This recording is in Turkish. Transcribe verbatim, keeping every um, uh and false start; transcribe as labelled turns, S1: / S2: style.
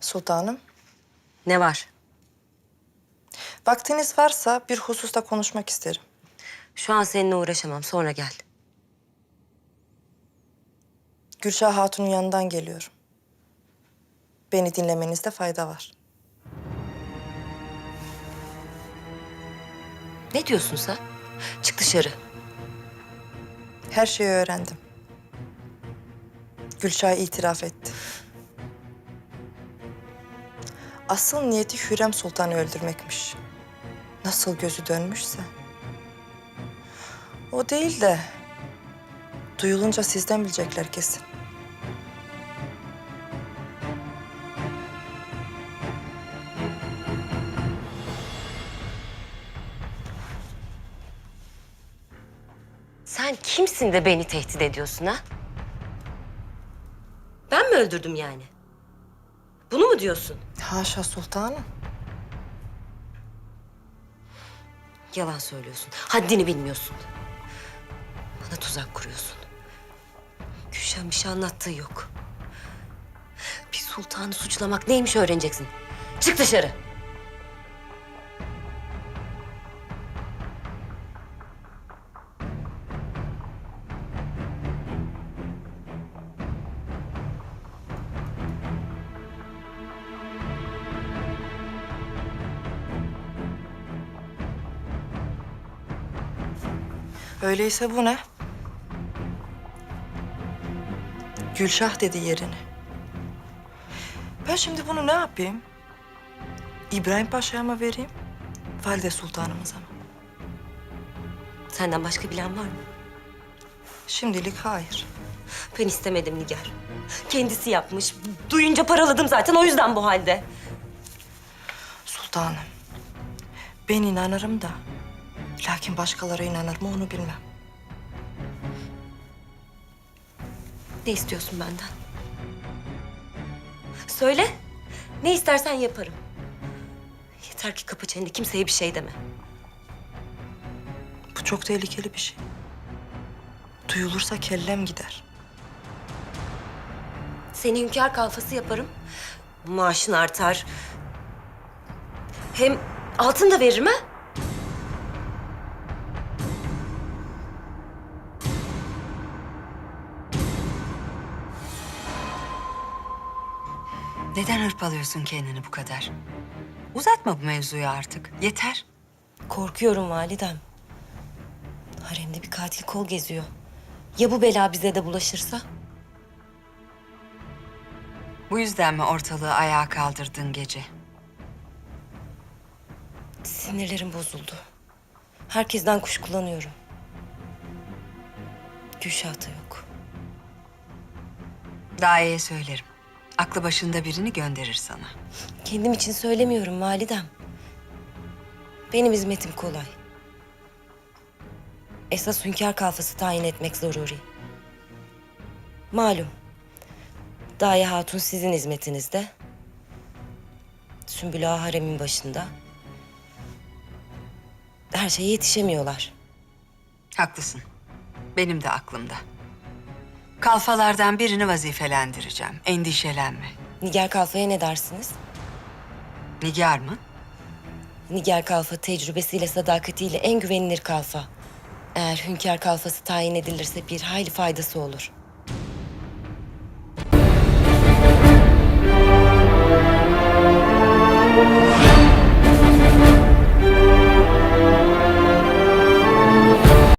S1: Sultanım,
S2: Ne var?
S1: vaktiniz varsa bir hususta konuşmak isterim.
S2: Şu an seninle uğraşamam. Sonra gel.
S1: Gülşah Hatun'un yanından geliyorum. Beni dinlemenizde fayda var.
S2: Ne diyorsun sen? Çık dışarı.
S1: Her şeyi öğrendim. Gülşah itiraf etti. Asıl niyeti Hürrem Sultan'ı öldürmekmiş. Nasıl gözü dönmüşse. O değil de duyulunca sizden bilecekler kesin.
S2: Sen kimsin de beni tehdit ediyorsun ha? Ben mi öldürdüm yani? Bunu mu diyorsun?
S1: Haşa sultanım.
S2: Yalan söylüyorsun. Haddini bilmiyorsun. Bana tuzak kuruyorsun. Gülşen bir şey anlattığı yok. Bir sultanı suçlamak neymiş öğreneceksin. Çık dışarı.
S1: Öyleyse bu ne? Gülşah dedi yerini. Ben şimdi bunu ne yapayım? İbrahim Paşa'ya mı vereyim? Valide Sultanımıza mı?
S2: Senden başka bilen var mı?
S1: Şimdilik hayır.
S2: Ben istemedim Nigar. Kendisi yapmış. Duyunca paraladım zaten, o yüzden bu halde.
S1: Sultanım, ben inanırım da... lakin başkaları inanır mı onu bilmem.
S2: Ne istiyorsun benden? Söyle. Ne istersen yaparım. Yeter ki kapı çeneni, kimseye bir şey deme.
S1: Bu çok tehlikeli bir şey. Duyulursa kellem gider.
S2: Seni hünkâr kalfası yaparım. Maaşın artar. Hem altın da veririm ha.
S3: Neden hırpalıyorsun kendini bu kadar? Uzatma bu mevzuyu artık. Yeter.
S2: Korkuyorum validem. Haremde bir katil kol geziyor. Ya bu bela bize de bulaşırsa?
S3: Bu yüzden mi ortalığı ayağa kaldırdın gece?
S2: Sinirlerim bozuldu. Herkesten kuşkulanıyorum. Gülşah da yok.
S3: Daye'ye söylerim. Aklı başında birini gönderir sana.
S2: Kendim için söylemiyorum validem. Benim hizmetim kolay. Esas hünkâr kalfası tayin etmek zaruri. Malum. Daye Hatun sizin hizmetinizde. Sümbül Ağa haremin başında. Her şeye yetişemiyorlar.
S3: Haklısın. Benim de aklımda. Kalfalardan birini vazifelendireceğim. Endişelenme.
S2: Nigar Kalfa'ya ne dersiniz?
S3: Nigar mı?
S2: Nigar Kalfa tecrübesiyle, sadakatiyle en güvenilir kalfa. Eğer hünkâr kalfası tayin edilirse bir hayli faydası olur.